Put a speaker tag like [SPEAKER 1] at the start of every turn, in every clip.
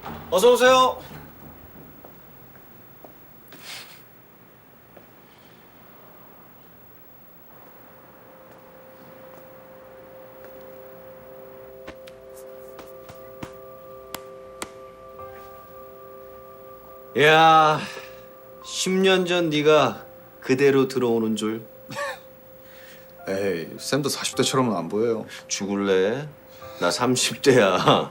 [SPEAKER 1] 어서 오세요. 야, 10년 전 네가 그대로 들어오는 줄
[SPEAKER 2] 에이, 쌤도 40대처럼은 안 보여요.
[SPEAKER 1] 죽을래? 나 30대야.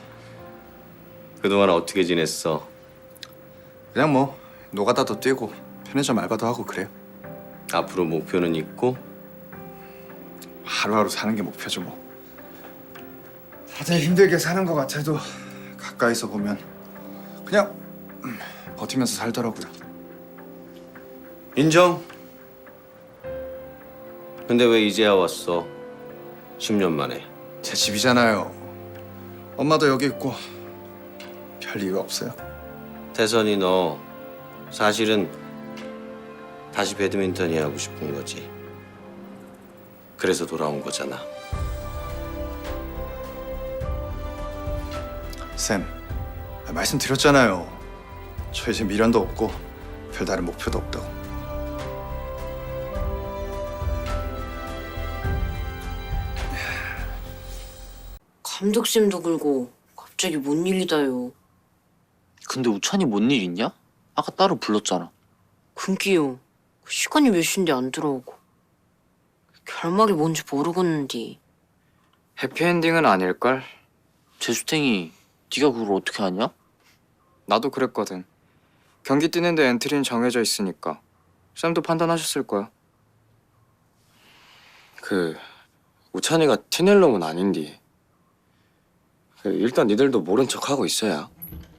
[SPEAKER 1] 그동안 어떻게 지냈어?
[SPEAKER 2] 그냥 뭐 노가다도 뛰고 편의점 알바도 하고 그래요.
[SPEAKER 1] 앞으로 목표는 있고?
[SPEAKER 2] 하루하루 사는 게 목표죠 뭐. 다들 힘들게 사는 것 같아도 가까이서 보면 그냥 버티면서 살더라고요.
[SPEAKER 1] 인정. 근데 왜 이제야 왔어? 10년 만에.
[SPEAKER 2] 제 집이잖아요. 엄마도 여기 있고 별 이유 없어요.
[SPEAKER 1] 태선이 너 사실은 다시 배드민턴이 하고 싶은 거지. 그래서 돌아온 거잖아.
[SPEAKER 2] 쌤, 말씀드렸잖아요. 저 이제 미련도 없고 별다른 목표도 없다고.
[SPEAKER 3] 감독쌤도 굴고 갑자기 뭔 일이다요.
[SPEAKER 4] 근데 우찬이 뭔 일 있냐? 아까 따로 불렀잖아.
[SPEAKER 3] 금기요. 시간이 몇 시인데 안 들어오고. 결말이 뭔지 모르겠는데.
[SPEAKER 5] 해피엔딩은 아닐걸?
[SPEAKER 4] 재수탱이 네가 그걸 어떻게 아냐?
[SPEAKER 5] 나도 그랬거든. 경기 뛰는데 엔트리는 정해져 있으니까 쌤도 판단하셨을 거야.
[SPEAKER 6] 우찬이가 티낼 놈은 아닌디. 일단 니들도 모른 척하고 있어야.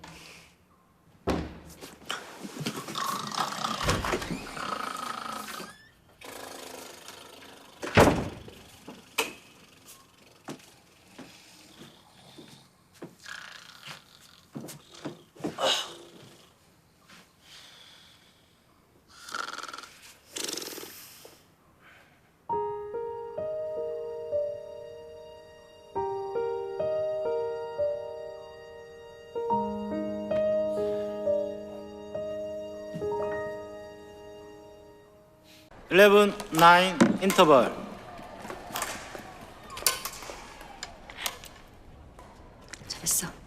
[SPEAKER 7] Eleven, nine, interval.
[SPEAKER 3] 잘했어.